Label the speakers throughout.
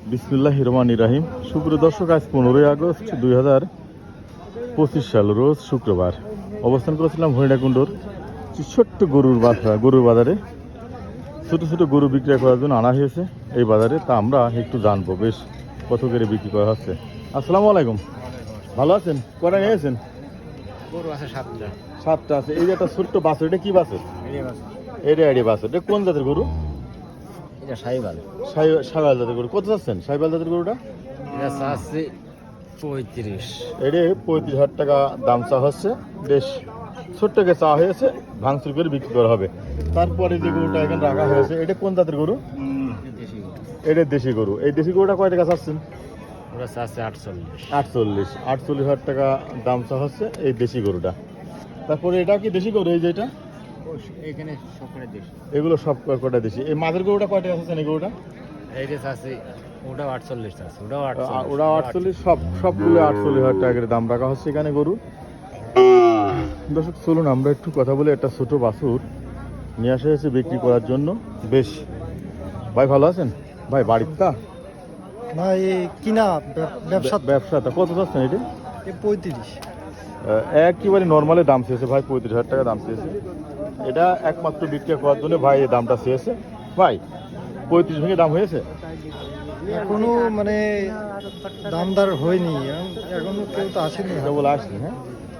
Speaker 1: বিসমিল্লাহির রহমানির রহিম। সুপ্রিয় দর্শক, আজ 15ই আগস্ট 2025 সাল, রোজ শুক্রবার। অবস্থান করেছিলাম হরিণাকুণ্ডর ছোট্ট গরুর বাজারে। ছোটো ছোটো গরু বিক্রয় করার জন্য আনা হয়েছে এই বাজারে। তা আমরা একটু জানবো বেশ কত করে বিক্রি করা হচ্ছে। আসসালামু আলাইকুম, ভালো আছেন? কটা নিয়েছেন?
Speaker 2: গরু আছে 7টা।
Speaker 1: 7টা আছে। এই যে একটা ছোট্ট বাছুর, এটা কি বাছুর? এটা বাছুর। এটা কোন জাতের গরু?
Speaker 2: এটা সাইবাল।
Speaker 1: সাইবাল জাতের গরু। কত চাচ্ছেন সাইবাল জাতের গরুটা?
Speaker 2: এটা আছে 35।
Speaker 1: এটা 35,000 টাকা দাম চা হচ্ছে। বেশ ছোট্টকে চা হয়েছে, ভাঙচুর করে বিক্রি করা হবে। তারপরে যে গরুটা এখানে রাখা হয়েছে, এটা কোন জাতের গরু? এটা দেশি গরু। এই দেশি গরুটা কয় টাকা চাচ্ছেন?
Speaker 2: ওটা আছে 48।
Speaker 1: 48,000 টাকা দাম চা হচ্ছে এই দেশি গরুটা। তারপরে এটা কি দেশি গরু? এই যে এটা,
Speaker 2: এখানে সবকটা দেশি।
Speaker 1: এগুলো সব কয়টা দেশি। এই মাঝের গরুটা কয় টাকা চাচ্ছেন? এই গরুটা
Speaker 2: এইটা আছে, ওটা 48 আছে।
Speaker 1: ওটা 48, সবগুলো 48,000 টাকা করে দাম রাখা হচ্ছে এখানে গরু। দর্শক চলুন আমরা একটু কথা বলে। একটা ছোট বাছুর নিয়ে আসা হয়েছে বিক্রি করার জন্য। বেশ ভাই, ভালো আছেন ভাই? বাড়ির তা
Speaker 3: না, এই কিনা
Speaker 1: ব্যবসাটা কত চাচ্ছেন? এটা
Speaker 3: 35।
Speaker 1: একেবারে নর্মালি দাম চেয়েছে ভাই, 35,000 টাকা দাম চেয়েছে। এটা একমাত্র বিক্রি করার জন্য ভাই এই দামটা চেয়েছে। ভাই 35 ভেঙে দাম হয়েছে?
Speaker 3: এখনো মানে দামদার হয়নি, এখনো কেউ তো আসেনি।
Speaker 1: এটা বলে আসনি। হ্যাঁ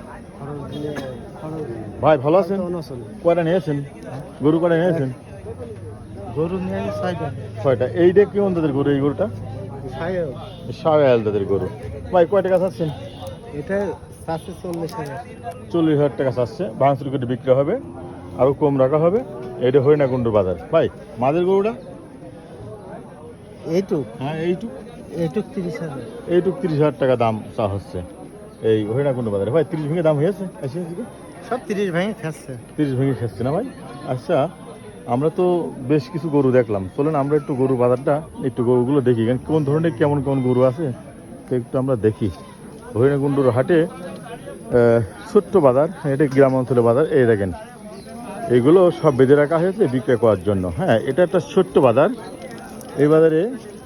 Speaker 1: ভাই, ভালো আছেন? কয়টা নিয়েছেন গরু? কয়টা নিয়েছেন?
Speaker 3: গরু নিয়ে
Speaker 1: 6টা। এইটা কেমন তাদের গরু? এই গরুটা সাহেল তাদের গরু। ভাই কয় টাকা চাচ্ছেন?
Speaker 3: এটা 40,000।
Speaker 1: 40,000 টাকা চাচ্ছে। ভাঙচুর করে বিক্রি হবে, আরও কম রাখা হবে। এটা হরিণাকুণ্ডুর বাজার। ভাই মাদের গরুটা?
Speaker 3: এইটুক
Speaker 1: হ্যাঁ
Speaker 3: এইটুক 30,000।
Speaker 1: 30,000 টাকা দাম চা হচ্ছে এই হরিণাকুণ্ড বাজারে। ভাই 30 ভেঙে দাম হয়েছে?
Speaker 3: সব 30 ভেঙে খাচ্ছে।
Speaker 1: 30 ভেঙে খাচ্ছে না ভাই? আচ্ছা, আমরা তো বেশ কিছু গরু দেখলাম। চলেন আমরা একটু গরু বাজারটা, একটু গরুগুলো দেখি, কোন ধরনের কেমন কেমন গরু আছে তো একটু আমরা দেখি। হরিণাকুণ্ডুর হাটে ছোট্ট বাজার, এটা গ্রাম অঞ্চলের বাজার। এই দেখেন এগুলো সব বেঁধে রাখা হয়েছে বিক্রয় করার জন্য। হ্যাঁ, এটা একটা ছোট্ট বাজার। এই বাজারে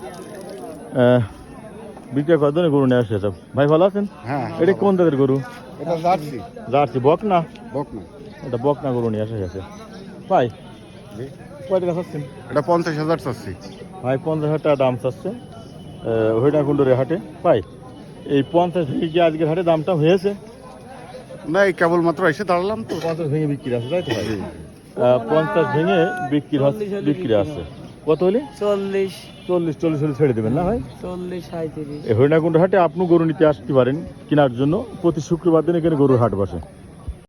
Speaker 1: বিক্রয় করার জন্য গরু নিয়ে আসছে সব। ভাই ভালো আছেন?
Speaker 2: হ্যাঁ।
Speaker 1: এটা কোন জাতের গরু?
Speaker 2: এটা জার্সি।
Speaker 1: জার্সি বকনা?
Speaker 2: বকনা।
Speaker 1: এটা বকনা গরু নিয়ে আসা গেছে। ভাই কয় টাকা চাচ্ছেন?
Speaker 2: এটা 50,000 চাচ্ছি।
Speaker 1: ভাই 50,000 টাকা দাম চাচ্ছে হরিণাকুণ্ডুর হাটে। ভাই এই 50 ভেঙে কি আজকের হাটে দামটা হয়েছে?
Speaker 2: না, এই কেবলমাত্র এসে দাঁড়ালাম তো।
Speaker 1: 50 ভেঙে বিক্রি আছে, তাই তো ভাই? 50 ভেঙে বিক্রি আছে। কত হলে? 40 হলে ছেড়ে দেবেন না ভাই?
Speaker 3: 40-35।
Speaker 1: এই হরিণাকুণ্ড হাটে আপনি গরু নিতে আসতে পারেন কেনার জন্য। প্রতি শুক্রবার দিন এখানে গরুর হাট বসে।